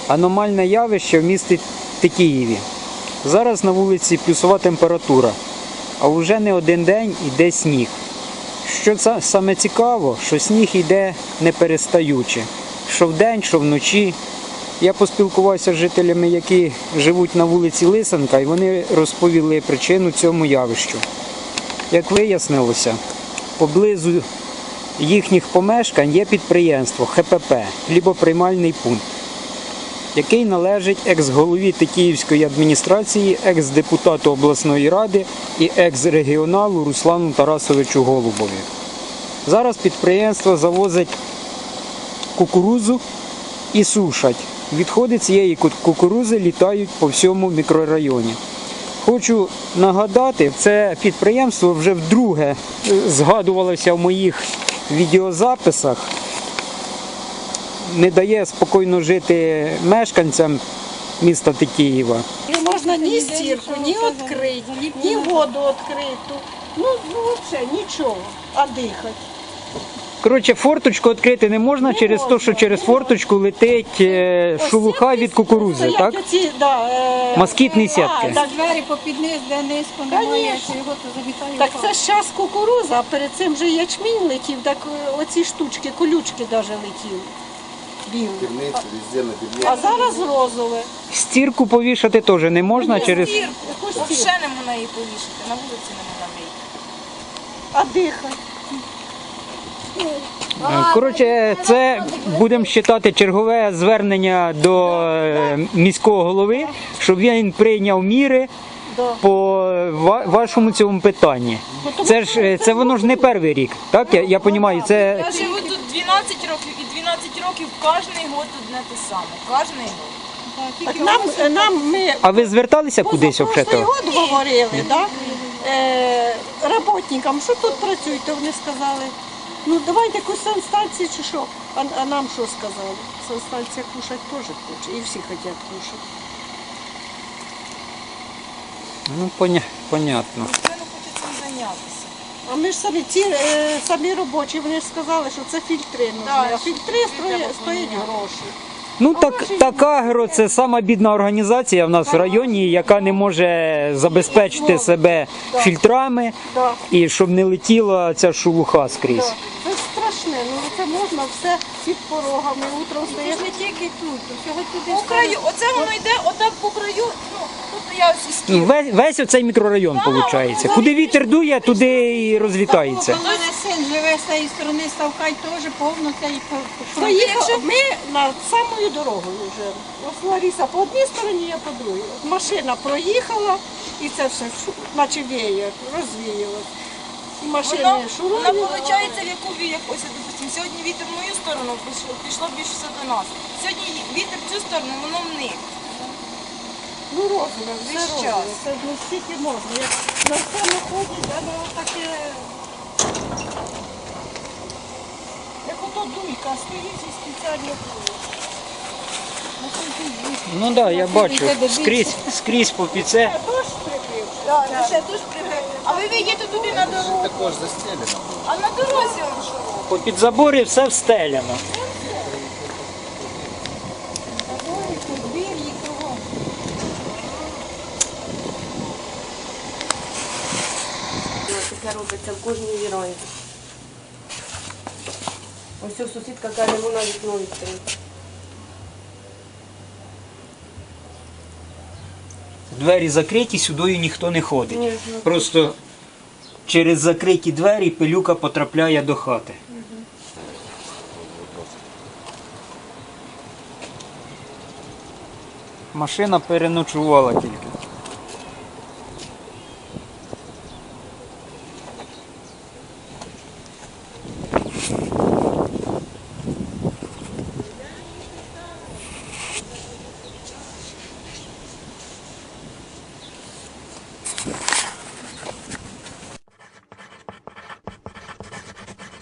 Аномальне явище в місті Тетіїві. Зараз на вулиці плюсова температура, а вже не один день йде сніг. Що саме цікаво, що сніг йде не перестаючи. Що вдень, що вночі. Я поспілкувався з жителями, які живуть на вулиці Лисенка, і вони розповіли причину цьому явищу. Як вияснилося, поблизу їхніх помешкань є підприємство ХПП «Хлібоприймальний пункт», який належить екс-голові Тетіївської адміністрації, екс-депутату обласної ради і екс-регіоналу Руслану Тарасовичу Голубові. Зараз підприємство завозить кукурудзу і сушать. Відходи цієї кукурудзи літають по всьому мікрорайоні. Хочу нагадати, це підприємство вже вдруге згадувалося в моїх відеозаписах. Не дає спокійно жити мешканцям міста Тетіїва. Не можна ні стірку, ні відкрити, ні воду відкриту. Ну взагалі нічого, а дихати. Коротше, форточку відкрити не можна через те, що через форточку летить шелуха від кукурудзи, так? Москітні сітки. Так, двері попід низ, де низько немає, його то завітає. Так це ж зараз кукурудза, а перед цим же ячмінь летів, так оці штучки, колючки навіть летіли. Білий. А зараз розове. Стірку повішати теж не можна через... Взагалі не можна її повішати, на вулиці не можна вийти. А дихати? Коротше, це будемо вважати чергове звернення до міського голови, щоб він прийняв міри по вашому цьому питанні. Це воно ж не перший рік, так? Я розумію, це... Я живу тут 12 років, і 12 років кожен год одне те саме. Кожен год. А ви зверталися кудись взагалі? Прошлий год говорили, так? Роботникам, що тут працюють, то вони сказали, ну давайте якусь санстанцію чи що. А нам що сказали? Санстанція кушати теж хоче, і всі хочуть кушати. Ну, понятно. Ніхто не хоче цим зайнятися. А ми ж самі робочі, вони ж сказали, що це фільтри нужні, а фільтри стоять гроші. Ну, так Агро – це сама бідна організація в нас в районі, яка не може забезпечити себе фільтрами, і щоб не летіла ця шелуха скрізь. Це страшне, ну це можна все під порогами, утром стає. Це ж не тільки тут, всього туди. По краю, оце воно йде отак по краю, ну, тут я ось і стіл. Весь оцей мікрорайон, виходить. Куди вітер дує, туди і розлітається. У мене син живе з цієї сторони, Ставкай теж повно цієї проїхав. Ми над самою дорогою вже. Ось Лариса по одній стороні, я по другій. Машина проїхала і це все, наче веє, розвіялось. І машини шурують. Воно виходить, в яку ось, допустимо, сьогодні вітер в мою сторону пішло більше все до нас. Сьогодні вітер в цю сторону, воно в них. Ну розумно, все розумно. Це не стільки можна. Як на все ходять, воно таке... Як ото дуйка, стоїть і спеціально дує. Ну так, я бачу, скрізь по піце. Дощ прикрив. Так, ще дуже прибив. А ви вийдете туди на дорогу. Також застелено. А на дорозі он що? Попід заборі все встеляно. Таке робиться в кожній віранді. Ось сусідка каже, вона вікно відкриє. Двері закриті, сюди ніхто не ходить. Просто через закриті двері пилюка потрапляє до хати. Машина переночувала тільки.